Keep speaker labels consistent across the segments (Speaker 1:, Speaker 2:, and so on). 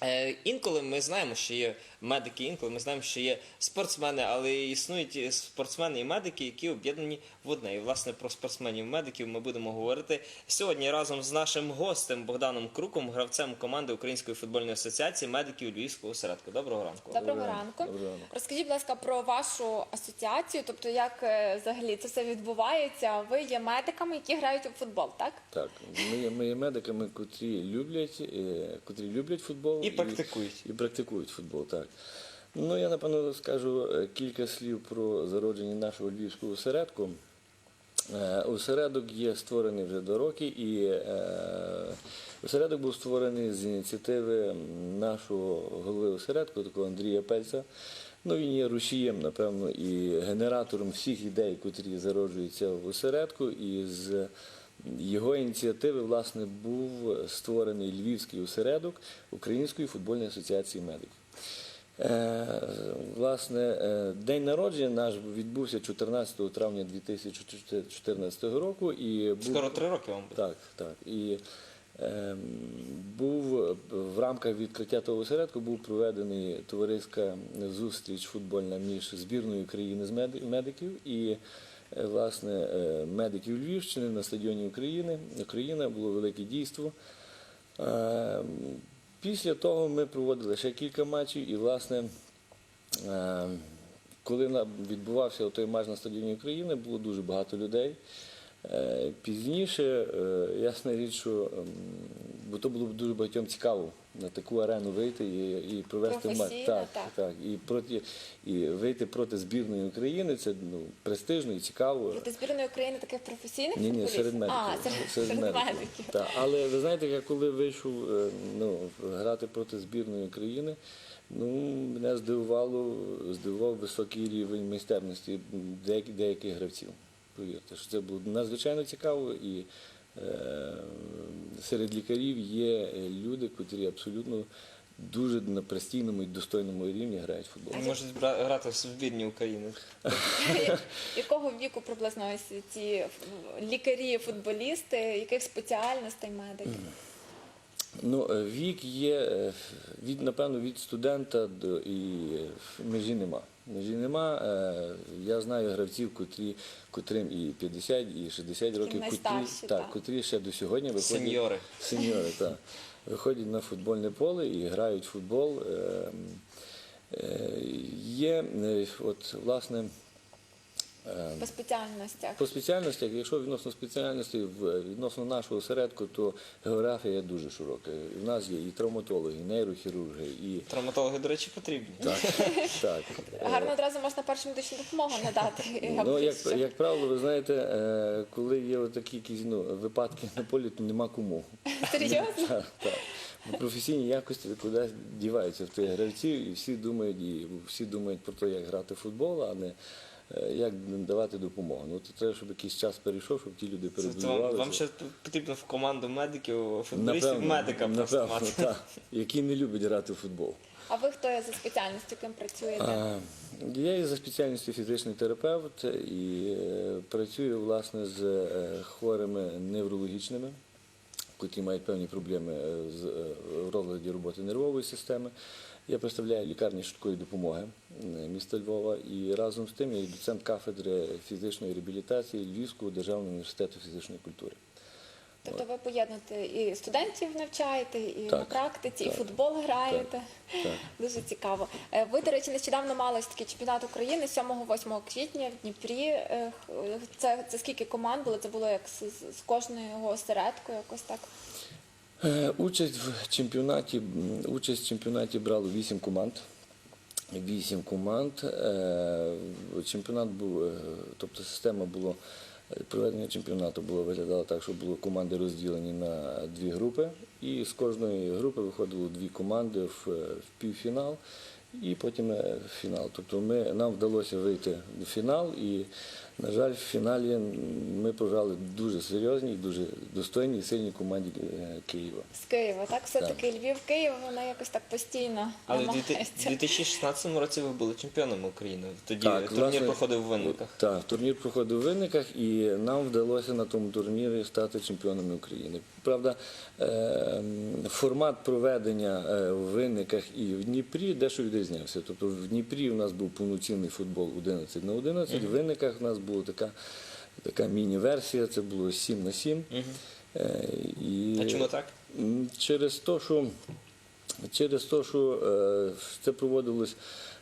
Speaker 1: Інколи ми знаємо, що є медики, інколи ми знаємо, що є спортсмени, але існують спортсмени і медики, які об'єднані в одне. І, власне, про спортсменів і медиків ми будемо говорити сьогодні разом з нашим гостем Богданом Круком, гравцем команди Української футбольної асоціації медиків Львівського осередку. Доброго ранку.
Speaker 2: Доброго ранку. Розкажіть, будь ласка, про вашу асоціацію, тобто як взагалі це все відбувається. Ви є медиками, які грають у футбол, так?
Speaker 3: Так, ми є медиками, котрі люблять футбол
Speaker 1: І
Speaker 3: практикують футбол, так. Ну, я, напевно, скажу кілька слів про зародження нашого Львівського осередку. Осередок є створений вже до роки, і осередок був створений з ініціативи нашого голови осередку, такого Андрія Пельця. Ну, він є рушієм, напевно, і генератором всіх ідей, котрі зароджуються в осередку, і з його ініціативи, власне, був створений Львівський осередок Української футбольної асоціації медиків. Власне, день народження наш відбувся 14 травня 2014 року.
Speaker 1: Скоро 3 роки вам буде.
Speaker 3: Так, так. І був в рамках відкриття того осередку був проведений товариська зустріч футбольна між збірною країни з медиків і власне медиків Львівщини на стадіоні Україна, було велике дійство. Після того ми проводили ще кілька матчів і, власне, коли відбувався той матч на стадіоні України, було дуже багато людей. Пізніше, ясна річ, що бо то було б дуже багатьом цікаво на таку арену вийти і провести матч. Так. І вийти проти збірної України, це престижно і цікаво.
Speaker 2: Проти збірної України таких професійних
Speaker 3: футболістів? Ні, серед медиків.
Speaker 2: Серед медиків.
Speaker 3: Так. Але ви знаєте, я коли вийшов грати проти збірної України, мене здивував високий рівень майстерності деяких гравців. Повірте, що це було надзвичайно цікаво, і серед лікарів є люди, котрі абсолютно дуже на постійному і достойному рівні грають в футбол.
Speaker 1: Можуть грати в збірні України.
Speaker 2: Якого віку приблизно ось ці лікарі, футболісти, яких спеціальностей медики?
Speaker 3: Вік є, напевно, від студента і межі нема. Я знаю гравців, котрим і 50, і 60 років, котрі ще до сьогодні виходять. Сеньори, так. Виходять на футбольне поле і грають в футбол. Є, власне,
Speaker 2: По
Speaker 3: спеціальностях, якщо відносно спеціальностей, відносно нашого осередку, то географія дуже широка. У нас є і травматологи, і нейрохірурги, і...
Speaker 1: Травматологи, до речі, потрібні.
Speaker 3: Так.
Speaker 2: Гарно одразу можна першу медичну допомогу надати.
Speaker 3: Як правило, ви знаєте, коли є такі якісь випадки на полі, то нема кому.
Speaker 2: Серйозно?
Speaker 3: Так. Професійні якості кудись діваються в тих гравців, і всі думають про те, як грати в футбол, а не як давати допомогу. То треба, щоб якийсь час перейшов, щоб ті люди перебудувалися.
Speaker 1: Вам ще потрібно в команду медиків, футболістів, медика просто мати.
Speaker 3: Які не люблять грати в футбол.
Speaker 2: А ви хто є за спеціальністю, ким працюєте?
Speaker 3: Я є за спеціальністю фізичний терапевт і працюю, власне, з хворими неврологічними, які мають певні проблеми в розладі роботи нервової системи. Я представляю лікарні швидкої допомоги міста Львова і разом з тим я є доцент кафедри фізичної реабілітації Львівського державного університету фізичної культури.
Speaker 2: Тобто ви поєднуєте і студентів навчаєте, і на практиці, і футбол граєте.
Speaker 3: Так.
Speaker 2: Дуже цікаво. Ви, до речі, нещодавно мали такий чемпіонат України 7-8 квітня в Дніпрі. Це скільки команд було? Це було як з кожного осередку, якось так?
Speaker 3: Участь в чемпіонаті брало 8 команд. 8 команд. Чемпіонат був, тобто система була, проведення чемпіонату виглядало так, що були команди розділені на 2 групи. І з кожної групи виходило 2 команди в півфінал і потім в фінал. Тобто нам вдалося вийти в фінал і На жаль, в фіналі ми програли дуже серйозній, дуже достойній і сильній команді Києва.
Speaker 2: З Києва, так? Все-таки Львів-Київ, воно якось так постійно
Speaker 1: Але в
Speaker 2: намагається.
Speaker 1: 2016 році ви були чемпіонами України. Тоді
Speaker 3: Так,
Speaker 1: турнір
Speaker 3: власне,
Speaker 1: проходив у Винниках.
Speaker 3: Так, турнір проходив у Винниках, і нам вдалося на тому турнірі стати чемпіонами України. Правда, формат проведення в Винниках і в Дніпрі дещо відрізнявся. Тобто в Дніпрі у нас був повноцінний футбол 11 на 11, в Винниках у нас була така міні-версія, це було 7-7.
Speaker 1: А чому так?
Speaker 3: Через те, що це проводилось,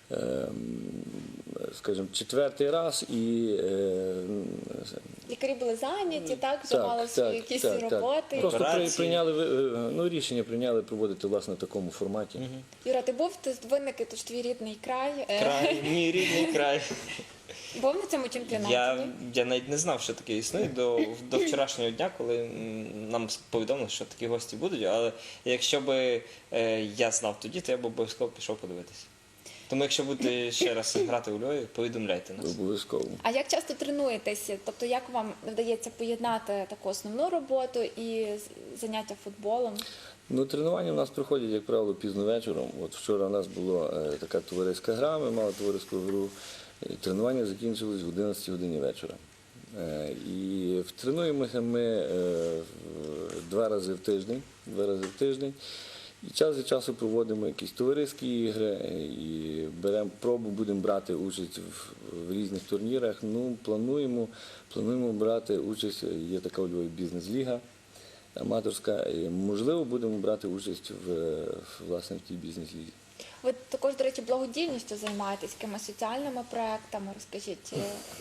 Speaker 3: скажімо, четвертий раз і
Speaker 2: Лікарі були зайняті, так? Вже мали свої якісь роботи.
Speaker 3: Просто
Speaker 1: Операції.
Speaker 3: рішення прийняли проводити власне в такому форматі.
Speaker 2: Юра, ти був в Винники, то ж твій рідний край.
Speaker 1: Край, мій рідний край.
Speaker 2: Був на цьому чемпіонаті?
Speaker 1: Я навіть не знав, що таке існує до вчорашнього дня, коли нам повідомили, що такі гості будуть. Але якщо б я знав тоді, то я б обов'язково пішов подивитися. Тому якщо будете ще раз грати у Львові, повідомляйте нас.
Speaker 3: Обов'язково.
Speaker 2: А як часто тренуєтеся? Тобто як вам вдається поєднати таку основну роботу і заняття футболом?
Speaker 3: Ну, тренування в нас проходять, як правило, пізно вечором. От вчора у нас була така товариська гра, ми мали товариську гру. Тренування закінчилось в 11 годині вечора. І тренуємося ми 2 рази в тиждень. І час від часу проводимо якісь товариські ігри і будемо брати участь в різних турнірах. Ну, плануємо брати участь, є така у Львові бізнес-ліга аматорська, і, можливо, будемо брати участь власне в тій бізнес-лізі.
Speaker 2: Ви також, до речі, благодійністю займаєтесь, якимись соціальними проектами, розкажіть.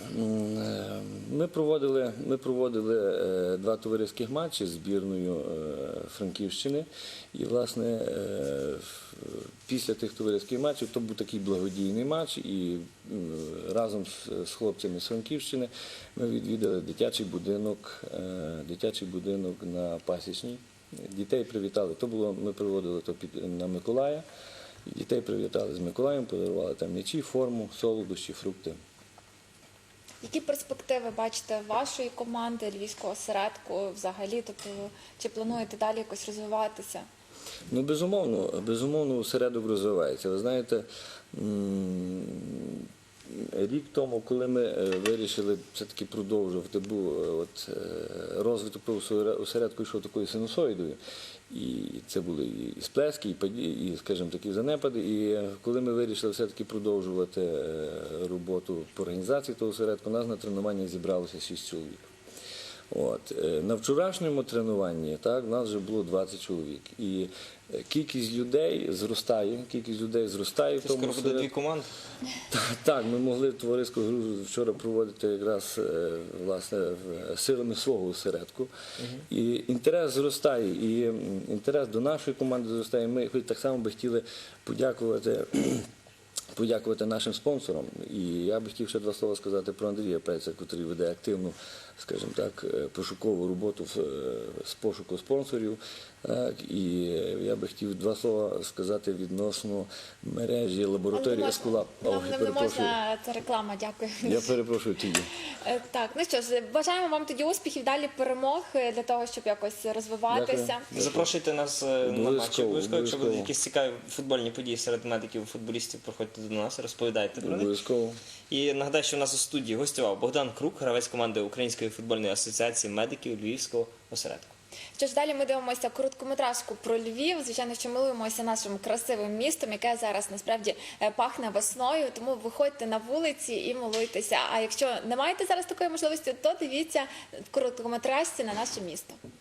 Speaker 3: Ми проводили 2 товариських матчі з збірною Франківщини. І, власне, після тих товариських матчів, то був такий благодійний матч, і разом з хлопцями з Франківщини ми відвідали дитячий будинок на Пасічній. Дітей привітали. Ми проводили на Миколая. Дітей привітали з Миколаєм, подарували там м'ячі, форму, солодощі, фрукти.
Speaker 2: Які перспективи бачите вашої команди, Львівського осередку взагалі? Тобто, чи плануєте далі якось розвиватися?
Speaker 3: Ну, безумовно, осередок розвивається. Ви знаєте, рік тому, коли ми вирішили все-таки продовжувати, розвиток осередку йшов такою синусоїдою. І це були і сплески, і, скажімо, такі занепади. І коли ми вирішили все-таки продовжувати роботу по організації того осередку, у нас на тренуваннях зібралося 6 чоловік. На вчорашньому тренуванні у нас вже було 20 чоловік. І кількість людей зростає. В
Speaker 1: Це
Speaker 3: тому
Speaker 1: скоро буде 2 команди.
Speaker 3: Так, ми могли товариську гру вчора проводити якраз власне силами свого осередку. І інтерес зростає, і інтерес до нашої команди зростає. Ми так само би хотіли подякувати нашим спонсорам. І я би хотів ще 2 слова сказати про Андрія Пельця, який веде активну, скажімо так, пошукову роботу з пошуку спонсорів. І я би хотів 2 слова сказати відносно мережі лабораторії Ескулап.
Speaker 2: Нам не можна, це реклама, дякую.
Speaker 3: Я перепрошую тоді.
Speaker 2: Так, ну що ж, бажаємо вам тоді успіхів, далі перемог для того, щоб якось розвиватися.
Speaker 3: Дякую.
Speaker 1: Запрошуйте нас на матчі. Обов'язково, якщо будуть
Speaker 3: обов'язково.
Speaker 1: якісь цікаві футбольні події серед медиків і футболістів, приходьте до нас, розповідайте про них.
Speaker 3: Обов'язково.
Speaker 1: І нагадаю, що у нас у студії гостював Богдан Крук, гравець команди Української футбольної асоціації медиків Львівського осередку.
Speaker 2: Що ж, далі ми дивимося короткометражку про Львів. Звичайно, що милуємося нашим красивим містом, яке зараз насправді пахне весною. Тому виходьте на вулиці і милуйтеся. А якщо не маєте зараз такої можливості, то дивіться в короткометражці на наше місто.